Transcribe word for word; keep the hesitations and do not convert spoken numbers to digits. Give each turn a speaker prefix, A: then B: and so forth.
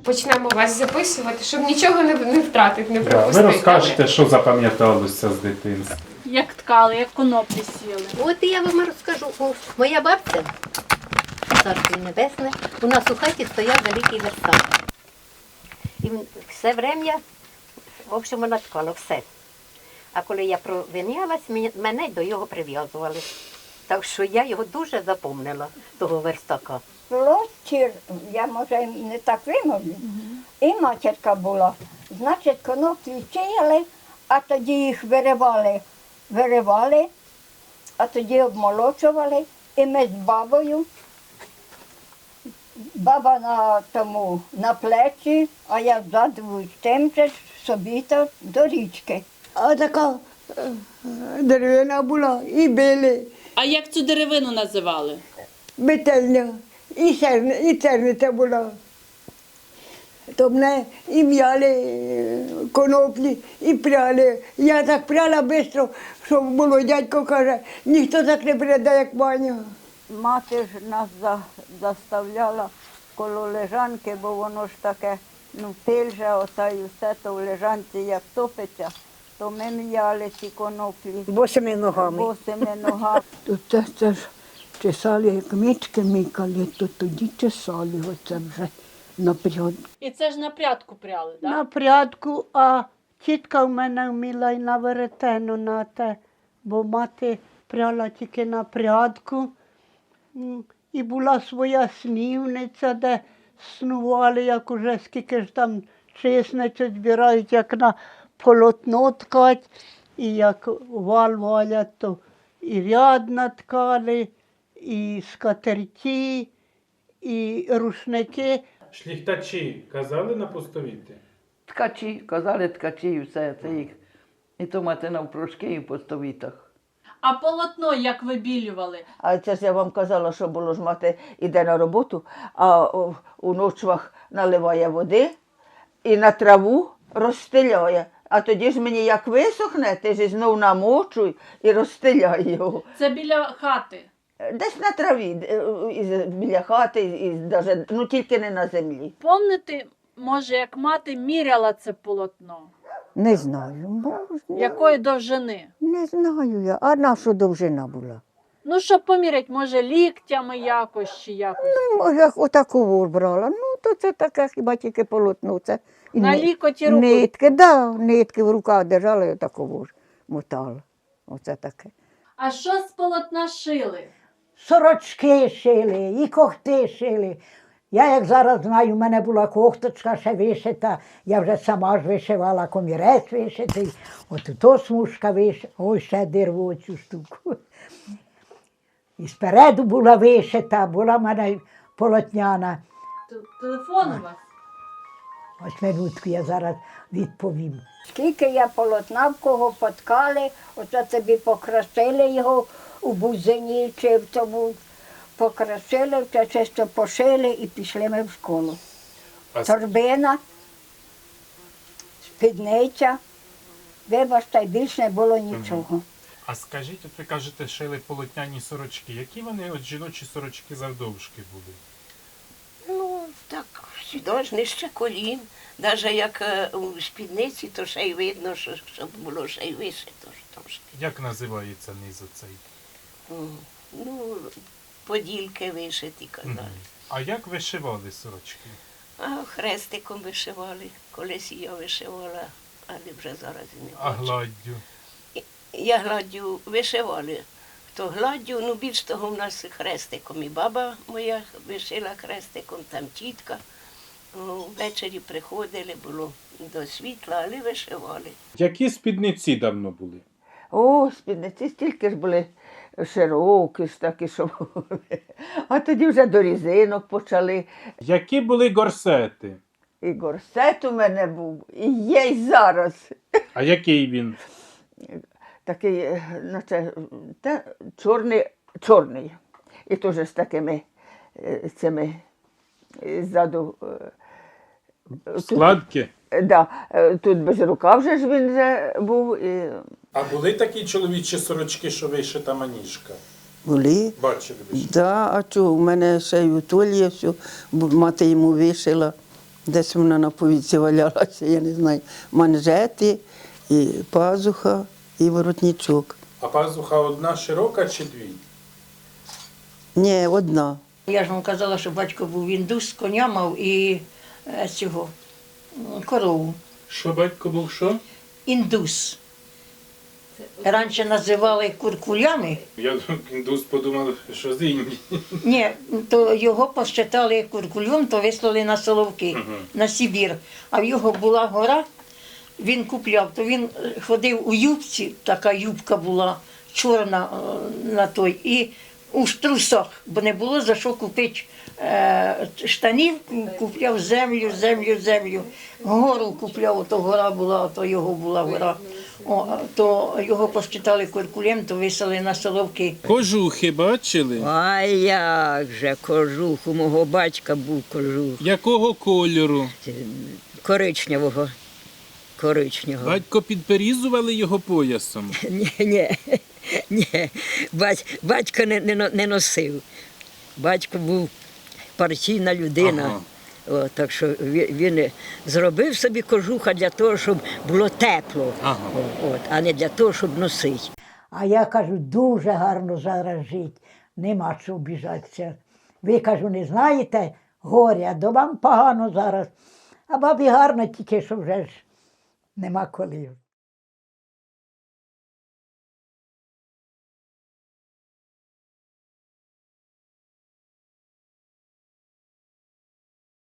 A: почнемо вас записувати, щоб нічого не, не втратити, не
B: Да,
A: пропустити.
B: ви розкажете, що запам'яталося з дитинства.
C: Як ткали, як коноплі сіли.
D: От і я вам розкажу. О, моя бабця, царство небесне, у нас у хаті стояв великий верстак. І все врем'я, в общем, вона ткала все. А коли я провинялась, мене до його прив'язували. Так що я його дуже запомнила, того верстака.
E: Площір, я може не так вимовлю, і матірка була. Значить, коноплі чияли, а тоді їх виривали, виривали, а тоді обмолочували. І ми з бабою, баба на тому, на плечі, а я ззаду тим же собі то до річки.
F: А така е, деревина була, і били,
C: А як цю деревину називали?
F: метельня, і, серне, і церниця була. То мене і м'яли е, коноплі, і пряли. Я так пряла швидко, що було, дядько каже, ніхто так не пряде, як Ваня.
G: Мати ж нас за, заставляла коло лежанки, бо воно ж таке, ну, пиль же, ота і все то в лежанці як топиться, то ми м'яли ці коноплі
F: Босими ногами.
G: босими ногами.
F: То це, це ж чесали, як мічки мікали, то тоді чесали, оце вже напряд.
C: І це ж на прядку пряли, так?
H: На прядку, а тітка в мене вміла й на веретено на те, бо мати пряла тільки на прядку. М, І була своя снівниця, де снували, як уже скільки ж там чесницю збирають, як на полотно ткать, і як вал валять, то і ряд наткали, і скатерті, і рушники.
B: Шляхтачі казали на постовіти?
I: Ткачі, казали ткачі і все це їх. І то мати навпрошки і по стовітах.
C: А полотно як вибілювали?
I: А це ж я вам казала, що було ж мати іде на роботу, а у, у ночвах наливає води і на траву розстеляє. А тоді ж мені як висохне, ти ж знов намочуй і розстеляй його.
C: Це біля хати.
I: Десь на траві, е, і біля хати, і даже, ну тільки не на землі.
C: Помните, може, як мати міряла це полотно?
F: Не знаю, може,
C: Якої довжини?
F: не знаю я. А наша довжина була?
C: Ну, щоб поміряти, може, ліктями якось чи якось.
F: Ну, може, отаку брала. Ну, то це таке хіба тільки полотно. Це і
C: На
F: ни-
C: лікоті руку.
F: Нитки, да, нитки в руках держала і отаку ж мотала. Оце таке.
C: А що з полотна шили?
H: Сорочки шили, і кохти шили. Я, як зараз знаю, в мене була кофточка ще вишита, я вже сама ж вишивала, комірець вишитий, от то смужка вишита, ой, ще дирву цю штуку. І спереду була вишита, була в мене полотняна.
C: Т- Телефон у вас?
H: Ось минутку я зараз відповім.
E: Скільки я полотна в кого поткали, оце тобі покрасили його у бузині чи в тому, покрасили, це чисто пошили і пішли ми в школу.
B: А с-
E: Торбина, спідниця, вибачте, більше не було нічого.
B: А скажіть, от ви кажете, шили полотняні сорочки. Які вони от жіночі сорочки завдовжки були?
D: Ну, так, сюди ж нижче колін. Навіть як е, у спідниці, то ще й видно, що, щоб було ще й вишито ж трошки.
B: Як називається низ оцей?
D: М, Ну, подільки вишиті, казали.
B: Мгм. А як вишивали сорочки?
D: А хрестиком вишивали. Колись я вишивала, але вже зараз і не
B: А
D: бачу.
B: гладдю?
D: Я гладдю вишивали. То гладдю, ну більш того в нас хрестиком. І баба моя вишила хрестиком, там тітка. О, Ввечері приходили, було до світла, але вишивали.
B: Які спідниці давно були?
I: О, спідниці стільки ж були широкі ж такі, що були. А тоді вже до різинок почали.
B: Які були горсети?
I: І горсет у мене був, і є й зараз.
B: А який він?
I: Такий, е, наче, та, чорний, чорний. І теж з такими е, цими е, ззаду. е, тут-
B: Складки?
I: е, Да, е, тут без рукав вже ж він вже був. І...
B: А були такі чоловічі сорочки, що вишита маніжка?
J: Були.
B: Бачили ви?
J: Да, а чого? У мене ще й у Толі все, бо мати йому вишила.
F: Десь вона на повіці валялася, я не знаю. Манжети, і пазуха, і воротничок.
B: А пазуха одна широка чи дві?
F: Ні, одна.
J: Я ж вам казала, що батько був індус, коня мав і е, цього м, корову.
B: Що батько був що?
J: Індус. Раніше називали куркулями.
B: Я індус подумав, що з Індії.
J: Ні, то його посчитали куркулем, то вислали на Соловки, на Сибір. А в його була гора, він купляв, то він ходив у юбці, така юбка була чорна е, на той, і у трусах, бо не було за що купити е, штанів, купляв землю, землю, землю. Гору купляв, то гора була, то його була гора. О, то його посчитали куркулем, то висели на Соловки.
B: Кожухи бачили?
K: А як же кожух, у мого батька був кожух.
B: Якого кольору?
K: Коричневого. Коричневого.
B: Батько підперізували його поясом.
K: Ні, ні, ні. Бать, батько не, не, но- не носив. Батько був партійна людина.
B: Ага.
K: О, так що він, він зробив собі кожуха для того, щоб було тепло,
B: Ага.
K: О, от, а не для того, щоб носити.
C: А я кажу, дуже гарно зараз жить, нема що обіжатися. Ви, кажу, не знаєте горя, до вам погано зараз. А бабі гарно, тільки що вже ж нема коли.